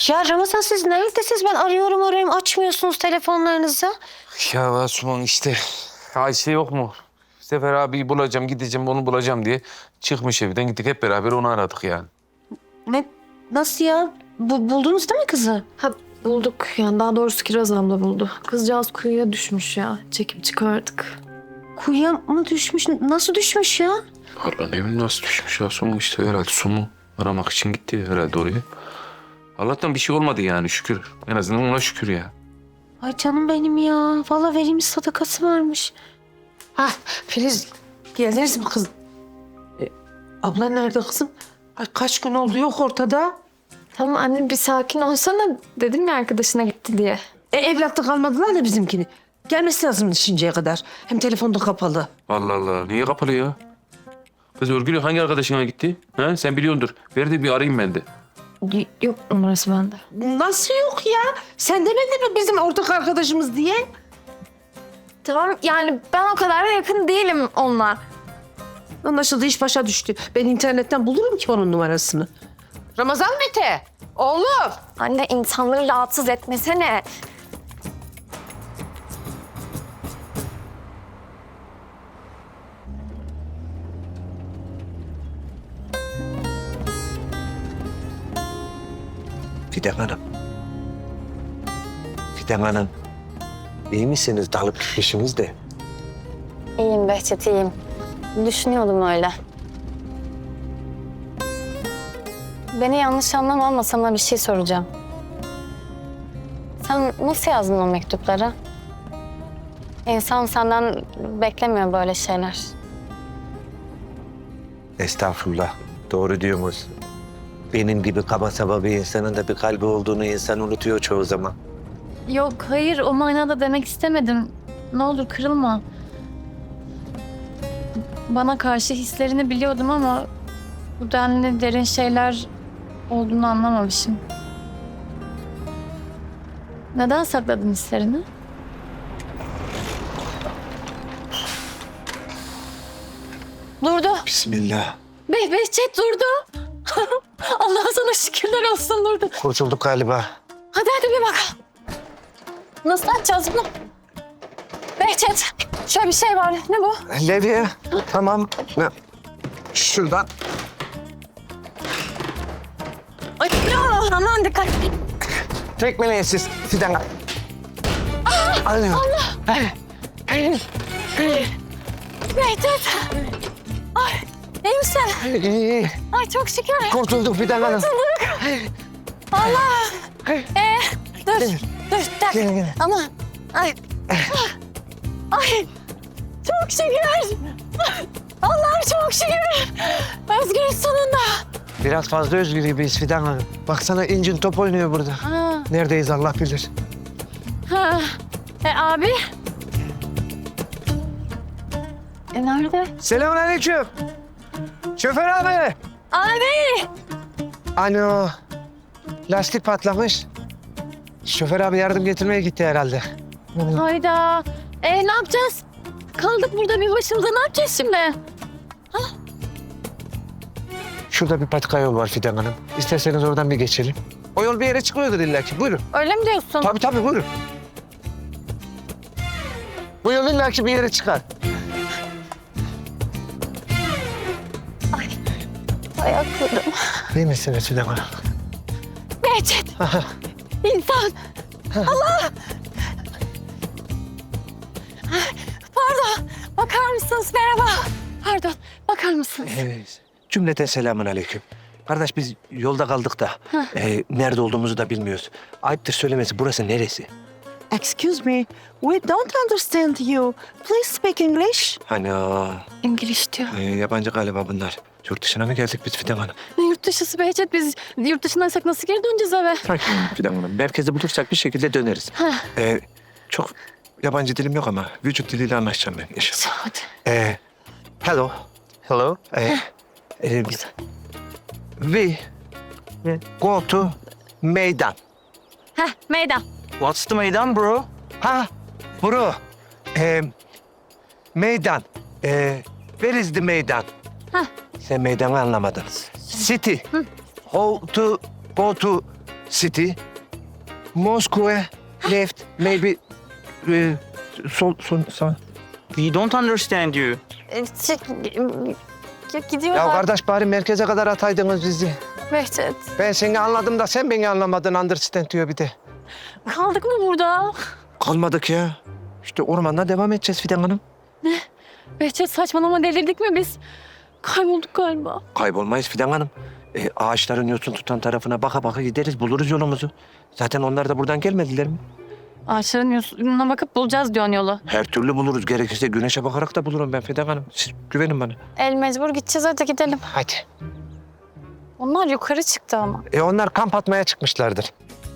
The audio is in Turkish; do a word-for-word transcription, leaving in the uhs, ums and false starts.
Ya Ramazan siz neredesiniz? Ben arıyorum arıyorum açmıyorsunuz telefonlarınızı. Ya Asuman işte Ayşe yok mu? Sefer abiyi bulacağım, gideceğim, onu bulacağım diye çıkmış evden. Gittik hep beraber onu aradık yani. Ne? Nasıl ya? Bu, buldunuz değil mi kızı? Ha bulduk yani daha doğrusu Kiraz abla buldu. Kızcağız kuyuya düşmüş ya. Çekip çıkardık. Kuyuya mı düşmüş? Nasıl düşmüş ya? Allah ne bileyim nasıl düşmüş Asuman işte herhalde su mu aramak için gitti herhalde oraya. Allah'tan bir şey olmadı yani şükür. En azından ona şükür ya. Ay canım benim ya. Vallahi verilmiş sadakası varmış. Ha Filiz geldiniz mi kızım? E, abla nerede kızım? Ay kaç gün oldu yok ortada. Tamam anne bir sakin olsana. Dedim ya arkadaşına gitti diye. E, evlatlık kalmadılar da bizimkini. Gelmesi lazım şimdiye kadar. Hem telefonda kapalı. Allah Allah niye kapalı ya? Kız Örgülü hangi arkadaşına gitti? Ha? Sen biliyordur. Ver de bir arayayım ben de. Y- Yok numarası bende. Nasıl yok ya? Sen demedin mi bizim ortak arkadaşımız diye? Tamam yani ben o kadar da yakın değilim onunla. Anlaşıldı iş başa düştü. Ben internetten bulurum ki onun numarasını. Ramazan Mete, oğlum. Anne insanları rahatsız etmesene. Fidan Hanım. Fidan Hanım. İyi misiniz? Dalıp gitmişsiniz de. İyiyim Behçet, iyiyim. Düşünüyordum öyle. Beni yanlış anlama ama sana bir şey soracağım. Sen nasıl yazdın o mektupları? İnsan senden beklemiyor böyle şeyler. Estağfurullah. Doğru diyorsunuz. Benim gibi kaba saba bir insanın da bir kalbi olduğunu insan unutuyor çoğu zaman. Yok, hayır o manada demek istemedim. Ne olur kırılma. Bana karşı hislerini biliyordum ama bu denli derin şeyler olduğunu anlamamışım. Neden sakladın hislerini? Durdu. Bismillah. Be Behçet durdu. Allah'a sana şükürler olsun durdu. Kurtulduk galiba. Hadi hadi bir bakalım. Nasıl açacağız bunu? Behçet, şöyle bir şey var. Ne bu? Levye. Tamam. Ne? Şuradan. Ay ya, aman dikkat. Tekmeleyin siz Fidan Hanım. Allah. Allah. Behçet. Ay, iyi misin? İyi, iyi. Ay çok şükür. Kurtulduk Fidan Hanım. Allah. Ee, dur, dur, bir dakika. Gelin, gelin. Aman, ay. Ay, çok şükür. Allah'ım çok şükür. Özgürüz sonunda. Biraz fazla özgür gibiyiz Fidan Hanım. Baksana incin top oynuyor burada. Ha, Neredeyiz Allah bilir. ha. E abi? E nerede? Selamünaleyküm. Şoför abi. Abi! Alo. Lastik patlamış. Şoför abi yardım getirmeye gitti herhalde. Hayda. E ne yapacağız? Kaldık burada bir başımıza, ne yapacağız şimdi? Şurada bir patika yol var Fidan Hanım. İsterseniz oradan bir geçelim. O yol bir yere çıkıyordur illa ki. Buyurun. Öyle mi diyorsun? Tabii tabii buyurun. Bu yol illa ki bir yere çıkar. Ayaklarım. İyi misiniz Fidan Hanım? Behçet! İnsan! Allah! Pardon, bakar mısınız? Merhaba. Pardon, bakar mısınız? Evet. Cümleten selamun aleyküm. Kardeş biz yolda kaldık da e, nerede olduğumuzu da bilmiyoruz. Ayıptır söylemesi burası neresi? Excuse me, we don't understand you. Please speak English. Hani o, İngiliz diyor. e, yabancı galiba bunlar. Yurt dışına mı geldik biz Fidan Hanım? Ne yurt dışısı Behçet? Biz yurt dışındaysak nasıl geri döneceğiz eve? Fidan Hanım merkezde bulursak bir şekilde döneriz. E, çok yabancı dilim yok ama vücut diliyle anlaşacağım ben inşallah. Hadi. E, hello. Hello. E, e, we go to meydan. Heh, meydan. What's the meydan bro? Ha, bro. Ee, meydan. Ee, where is the meydan? Hah. Sen meydanı anlamadın. City. How to go to city, Moskova, left, maybe e, sol, sol, sağ. We don't understand you. E, çek- ya gidiyorlar. Ya kardeş bari merkeze kadar ataydınız bizi. Behçet. Ben seni anladım da sen beni anlamadın, understand diyor bir de. Kaldık mı burada? Kalmadık ya. İşte ormanda devam edeceğiz Fidan Hanım. Behçet saçmalama delirdik mi biz? Kaybolduk galiba. Kaybolmayız Fidan Hanım. E, ağaçların yosun tutan tarafına baka baka gideriz, buluruz yolumuzu. Zaten onlar da buradan gelmediler mi? Ağaçların yosununa bakıp bulacağız diyorsun yolu. Her türlü buluruz. Gerekirse güneşe bakarak da bulurum ben Fidan Hanım. Siz güvenin bana. El mecbur gideceğiz, hadi gidelim. Hadi. Onlar yukarı çıktı ama. E onlar kamp atmaya çıkmışlardır.